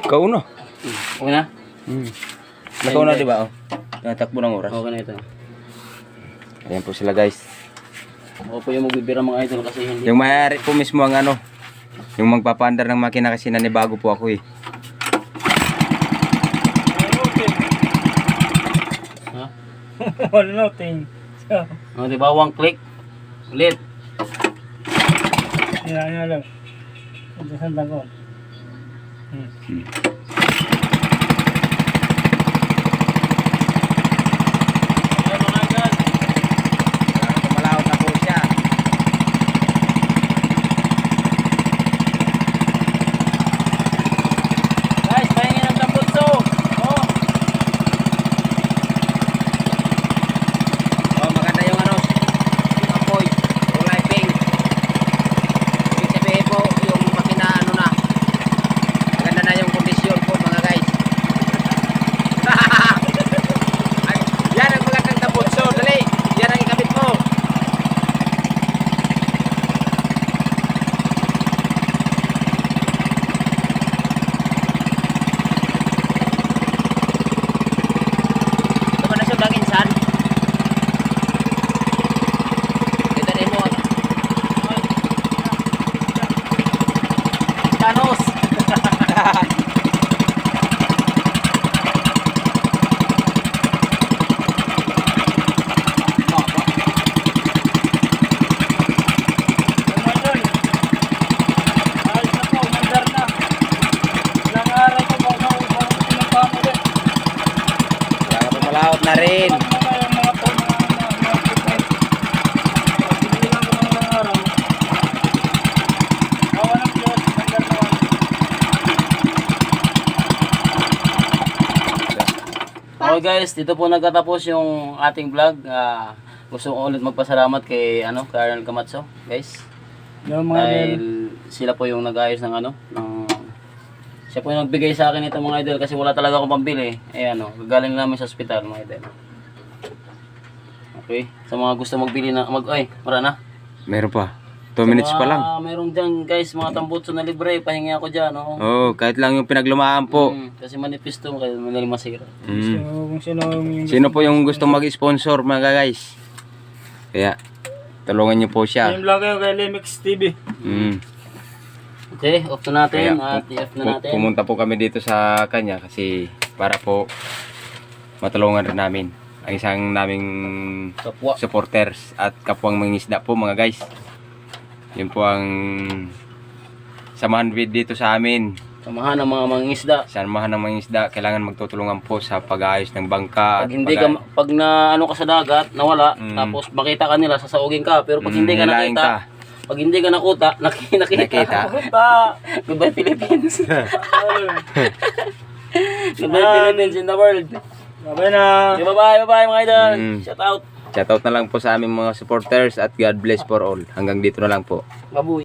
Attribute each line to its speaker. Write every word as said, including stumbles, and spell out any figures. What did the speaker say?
Speaker 1: Kauna.
Speaker 2: Okay na?
Speaker 1: Hmm. Nakauna, di ba? Oh. Natakbo ng oras.
Speaker 2: Okay na ito.
Speaker 1: Ayan po sila, guys.
Speaker 2: Ako po yung magbibira mga idol kasi hindi.
Speaker 1: Yung mayari po mismo ang ano, yung magpapaandar ng makina kasi nanibago po ako eh.
Speaker 2: Ha?
Speaker 3: Wala nothing.
Speaker 2: Oh, di ba? One click. Ulit.
Speaker 3: Yan, yan lang. Ito sa dagon. Hmm.
Speaker 1: Hmm.
Speaker 2: Ayan mga idol.
Speaker 1: Malawot na po siya.
Speaker 2: Guys, pahingin ng tambutso. Oh.
Speaker 1: Oh, maganda yung ano, yung apoy, kulay pink. Ibig sabihin po, yung makina ano na, maganda na yung kondisyon po mga guys. Ay, yan ang magandang tambutso, dali, yan ang ikabit mo. Ito ba na siya bang insan? Kita rin mo.
Speaker 2: Thanos.
Speaker 3: Mga idol. Ayos na po, mandar na. Ilang araw po, baka upang pinagpamo din.
Speaker 1: Kaya po malawot na rin.
Speaker 3: Pag mga yung mga po, mga mga mga pipay. Pag binilang ko ng ilang araw. Awa ng Diyos, mandar naman.
Speaker 2: Okay guys, dito po nagtatapos yung ating vlog. Ah, gusto ko ulit magpasalamat kay ano, Colonel Camacho, guys.
Speaker 3: Yung mga idol.
Speaker 2: Dahil sila po yung nag-ayos ng ano, ng siya po yung nagbigay sa akin ito mga idol kasi wala talaga akong pambili. Eh ano, gagaling namin sa ospital mga idol. Okay, sa mga gusto magbili na mag ay, mara na.
Speaker 1: Meron pa. two minutes pa lang.
Speaker 2: Ah, meron diyan guys, mga tambutso na libre, pahingi ako diyan, oh.
Speaker 1: Oo, kahit lang yung pinaglumaan po.
Speaker 2: Mm, kasi manipis to, kaya madaling masira.
Speaker 3: So,
Speaker 1: Mm.
Speaker 3: kung sino yung...
Speaker 1: Sino po yung gustong mag-sponsor mga guys? Kaya, tulungan niyo po siya.
Speaker 3: Yung vlog kayo kay Limix T V.
Speaker 1: Mm.
Speaker 2: Okay, off na natin
Speaker 1: Kaya,
Speaker 2: at i-off na
Speaker 1: pu-
Speaker 2: natin.
Speaker 1: pumunta po kami dito sa kanya kasi para po matulungan rin namin ang isang naming
Speaker 2: Kapwa.
Speaker 1: supporters at kapwang mangisda po mga guys. Yun po ang samahan with dito sa amin.
Speaker 2: Samahan ng mga mangingisda.
Speaker 1: Samahan ng mangisda, kailangan magtutulungan po sa pag-aayos ng bangka.
Speaker 2: Pag hindi ka, pag na ano ka sa dagat, nawala,
Speaker 1: Mm.
Speaker 2: tapos makita ka nila, sasaugin ka. Pero pag hindi ka
Speaker 1: Nilaing
Speaker 2: nakita, pag hindi ka nakuta, naki, nakita.
Speaker 1: Nakita.
Speaker 3: Punta!
Speaker 2: Goodbye Philippines. Goodbye Philippines in the world.
Speaker 3: Babay na!
Speaker 2: Okay, bye-bye, bye-bye mga idol.
Speaker 1: Mm.
Speaker 2: Shout out.
Speaker 1: Shoutout na lang po sa aming mga supporters at God bless for all. Hanggang dito na lang po.
Speaker 2: Babuy.